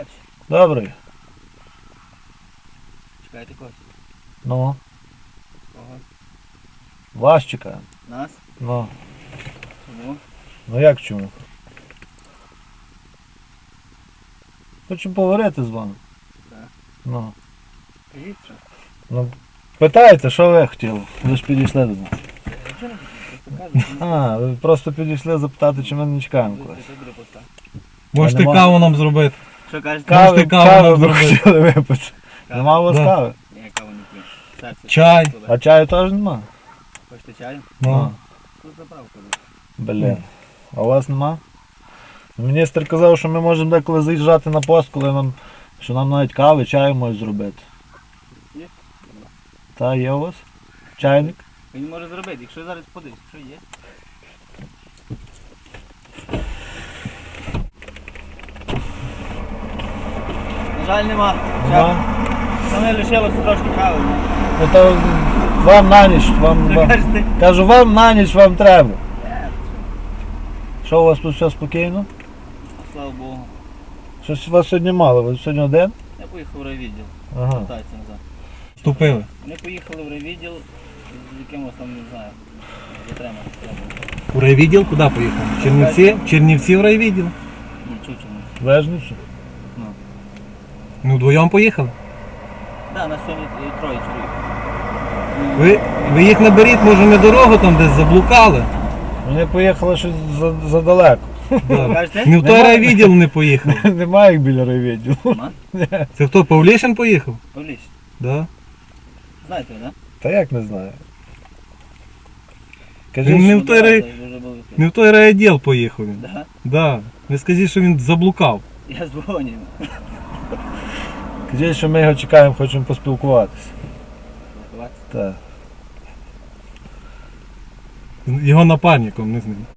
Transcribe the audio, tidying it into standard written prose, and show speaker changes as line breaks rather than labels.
робочий.
Добрий.
Чекаєте когось?
Ну,
Кого?
вас чекаємо.
Нас?
Ну,
Чому?
ну як чому? Хочемо поговорити з вами.
Так.
Ну,
Кажіть, що?
ну, питайте, що ви хотіли? Ви ж підійшли до нас.
Нічого не хотів, просто кажу.
А, ви просто підійшли запитати, чи ми не чекаємо когось.
Це буде поста.
Можете
нема.
каву нам зробити.
Що кажете?
Можете
Кави,
каву
кави
нам
ви
зробити?
хотіли випити. Нема у вас
Да.
кави?
Ні, каву не п'ю. Серце.
Чай.
Туди.
А чаю теж нема?
Хочете чаю?
Ну.
Тут заправку.
Блін. А у вас нема? Міністр казав, що ми можемо деколи заїжджати на пост, коли що нам навіть кави, чаю можуть зробити.
Є?
Та, є у вас? Чайник?
Він може зробити, якщо зараз подивись, що є. На жаль, нема.
Нема?
Саме лишилося трошки кави.
Ну то вам на ніч,
Що кажете?
кажу, вам на ніч вам треба. Що у вас тут все спокійно?
Слава Богу.
Щось вас сьогодні мало, ви сьогодні один?
Я поїхав в райвідділ.
Ага.
Вертаються назад.
Вступили.
Вони поїхали в райвідділ з якимось там, не знаю, затримати треба.
У райвідділ куди поїхав? Чернівці? Чернівці в райвідділ.
Ні, чучому.
Вежницю?
Ну.
Ну, вдвоєм поїхали.
Так, на сьогодні троє чоловік.
Ви їх наберіть, може не дорогу там десь заблукали.
Вони поїхали щось задалеко.
Да.
Кажете?
Не в той райвідділ не поїхав.
Немає їх біля райвідділу.
Нема?
Це хто, Павлішин поїхав?
Павліч.
Да.
Знаєте, так?
Та як не знаю.
Він
Кажіть,
не в той Не в той райвідділ поїхав він.
Да?
Да. Ви скажіть, що він заблукав.
Я дзвоню.
кажіть, що ми його чекаємо, хочемо поспілкуватися. Так.
Його напарником, не з ним.